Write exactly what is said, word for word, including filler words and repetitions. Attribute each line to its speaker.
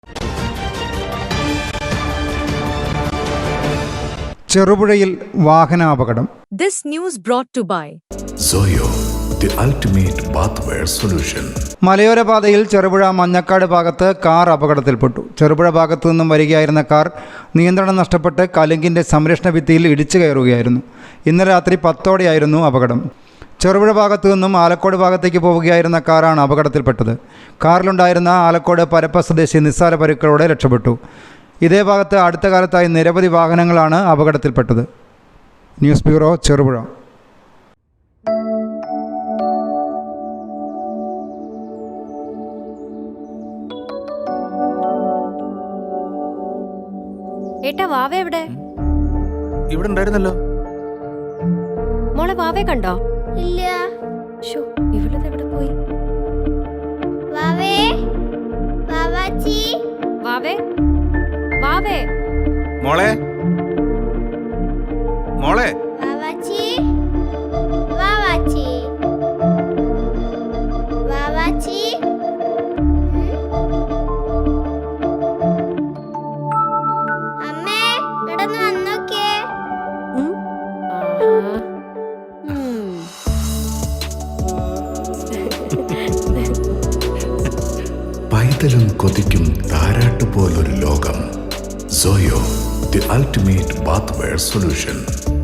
Speaker 1: ചെറുപുഴയിൽ വാഹനാപകടം.
Speaker 2: This news brought to by
Speaker 3: Zoyo, the ultimate bathware solution.
Speaker 1: മലയോര പാതയിൽ ചെറുപുഴ മഞ്ഞക്കാട് ഭാഗത്ത് car അപകടത്തിൽപ്പെട്ടു. Cherupuzha ഭാഗത്തു നിന്നും വരികയായിരുന്ന കാർ നിയന്ത്രണം നഷ്ടപ്പെട്ട് കലുങ്കിൻ്റെ സംരക്ഷണ ഭിത്തിയിൽ ഇടിച്ചു കയറുകയായിരുന്നു. ഇന്നലെ രാത്രി പത്തോടെയായിരുന്നു അപകടം. ചെറുപുഴ ഭാഗത്തു നിന്നും ആലക്കോട് ഭാഗത്തേക്ക് പോവുകയായിരുന്ന കാറാണ് അപകടത്തിൽപ്പെട്ടത്. കാറിലുണ്ടായിരുന്ന ആലക്കോട് പരപ്പ സ്വദേശി നിസ്സാര പരുക്കളോടെ രക്ഷപ്പെട്ടു. ഇതേ ഭാഗത്ത് അടുത്ത കാലത്തായി നിരവധി വാഹനങ്ങളാണ് അപകടത്തിൽപ്പെട്ടത്. News bureau, Cherupuzha.
Speaker 4: ഏട്ടാ, വാവ എവിടെ?
Speaker 5: ഇവിടെ ഉണ്ടായിരുന്നല്ലോ.
Speaker 4: മോളെ വാവേ കണ്ടോ?
Speaker 6: ഇല്ല.
Speaker 4: ഇവളത് എവിടെ പോയി?
Speaker 6: വാവേ, വാവാച്ചി,
Speaker 4: വാവേ, വാവേ,
Speaker 5: മോളെ, മോളെ,
Speaker 6: വാവാച്ചി, വാവാച്ചി, വാവാച്ചി. അമ്മേ, ഇടന്ന് വന്നോക്കേ.
Speaker 3: പൈതലും കൊതിക്കും താരാട്ടുപോലൊരു ലോകം. Zoyo, the ultimate bathware solution.